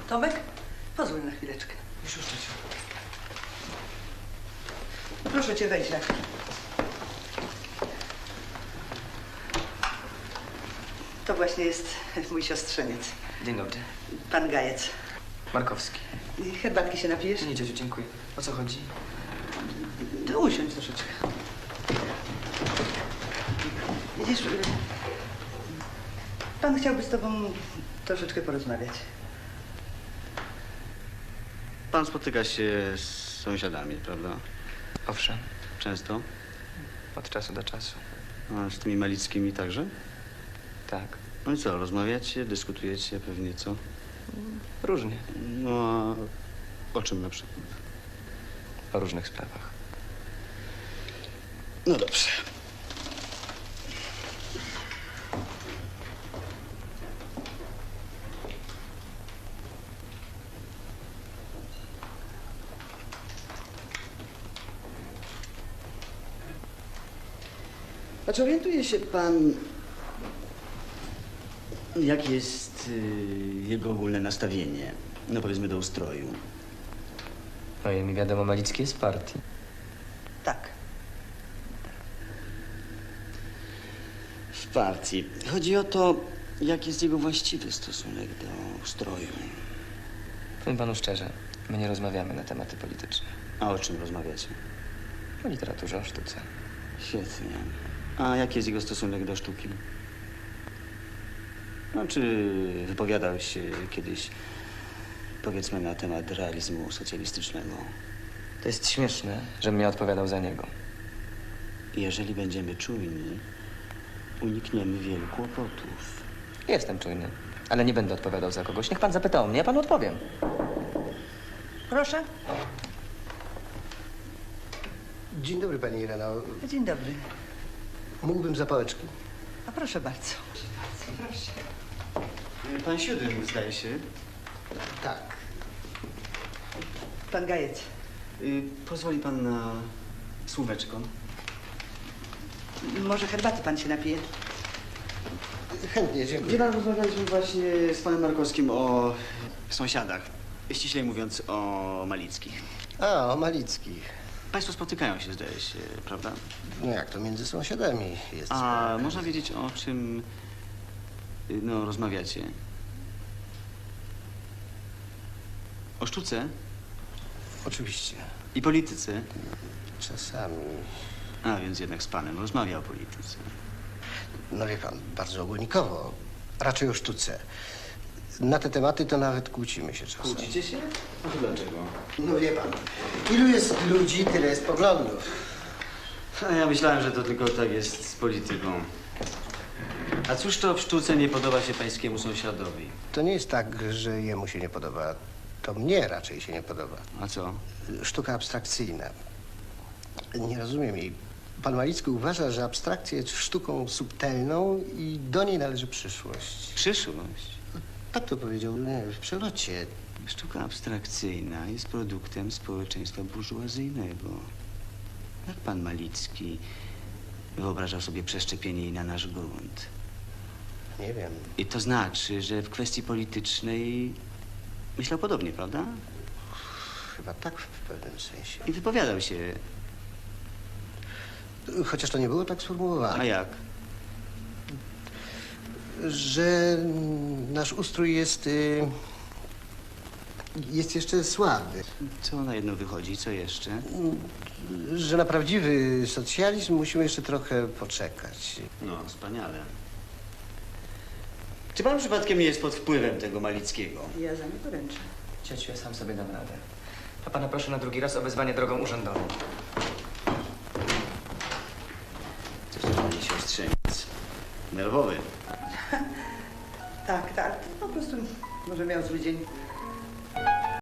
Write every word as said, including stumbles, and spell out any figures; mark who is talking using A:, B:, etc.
A: Tomek, pozwól na chwileczkę.
B: Już, już, ciociu.
A: Proszę cię, wejdź na chwilę. To właśnie jest mój siostrzeniec,
B: Dzień dobry.
A: pan Gajec.
B: Markowski.
A: Herbatki się napijesz?
B: Nie, ciociu, dziękuję. O co chodzi?
A: To usiądź troszeczkę. Widzisz, pan chciałby z tobą troszeczkę porozmawiać.
C: Pan spotyka się z sąsiadami, prawda?
B: Owszem,
C: Często?
B: od czasu do czasu.
C: A z tymi Malickimi także?
B: Tak,
C: No i co, rozmawiacie, dyskutujecie pewnie, co?
B: różnie.
C: No a o czym na przykład?
B: O różnych sprawach.
C: No dobrze. A czy orientuje się pan, jakie jest y, jego ogólne nastawienie, no powiedzmy do ustroju?
B: No i mi wiadomo, Malicki jest w partii.
A: Tak.
C: W partii. Chodzi o to, jaki jest jego właściwy stosunek do ustroju.
B: Powiem panu szczerze, my nie rozmawiamy na tematy polityczne.
C: A o czym rozmawiacie?
B: O literaturze, o sztuce.
C: Świetnie. A jaki jest jego stosunek do sztuki? No, czy wypowiadał się kiedyś, powiedzmy, na temat realizmu socjalistycznego?
B: To jest śmieszne, żebym ja odpowiadał za niego.
C: Jeżeli będziemy czujni, unikniemy wielu kłopotów.
B: Jestem czujny, ale nie będę odpowiadał za kogoś. Niech pan zapyta o mnie, ja panu odpowiem.
A: Proszę.
D: Dzień dobry, pani Ireno.
A: Dzień dobry.
D: Mógłbym zapałeczki?
A: A proszę bardzo. Proszę.
C: Pan Siódym, zdaje się.
D: Tak.
A: Pan Gajec.
C: Y, pozwoli pan na słóweczko?
A: Może herbaty pan się napije?
D: Chętnie,
C: Wie
D: dziękuję.
C: pan, rozmawialiśmy właśnie z panem Markowskim o sąsiadach. Ściślej mówiąc o Malickich.
D: A, o Malickich.
C: Państwo spotykają się, zdaje się, prawda?
D: No jak to między sąsiadami jest?
C: A
D: sprawa.
C: można wiedzieć, o czym y, no, rozmawiacie? O sztuce
D: Oczywiście.
C: i polityce.
D: Czasami.
C: A, więc jednak z panem rozmawia o polityce.
D: No wie pan, bardzo ogólnikowo. Raczej o sztuce. Na te tematy to nawet kłócimy się czasem.
C: się? A to dlaczego?
D: No wie pan, ilu jest ludzi, tyle jest poglądów.
C: A ja myślałem, że to tylko tak jest z polityką. A cóż to w sztuce nie podoba się pańskiemu sąsiadowi?
D: To nie jest tak, że jemu się nie podoba. To mnie raczej się nie podoba.
C: A co?
D: Sztuka abstrakcyjna. Nie rozumiem jej. Pan Malicki uważa, że abstrakcja jest sztuką subtelną i do niej należy przyszłość.
C: Przyszłość.
D: Tak to powiedział nie, w przelocie.
C: Sztuka abstrakcyjna jest produktem społeczeństwa burżuazyjnego. Jak pan Malicki wyobrażał sobie przeszczepienie jej na nasz grunt?
D: Nie wiem.
C: I to znaczy, że w kwestii politycznej myślał podobnie, prawda?
D: Chyba tak w pewnym sensie.
C: I wypowiadał się.
D: Chociaż to nie było tak
C: A
D: sformułowane.
C: jak?
D: Że nasz ustrój jest... y, jest jeszcze słaby.
C: Co na jedno wychodzi? Co jeszcze?
D: Że na prawdziwy socjalizm musimy jeszcze trochę poczekać.
C: No, wspaniale. Czy pan przypadkiem nie jest pod wpływem tego Malickiego?
A: Ja za nie poręczę.
B: Ciociu, ja sam sobie dam radę. A pana proszę na drugi raz o wezwanie drogą urzędową.
C: Coś to pani siostrzeniec. Nerwowy.
A: Tak, tak. Po prostu może miał zły dzień.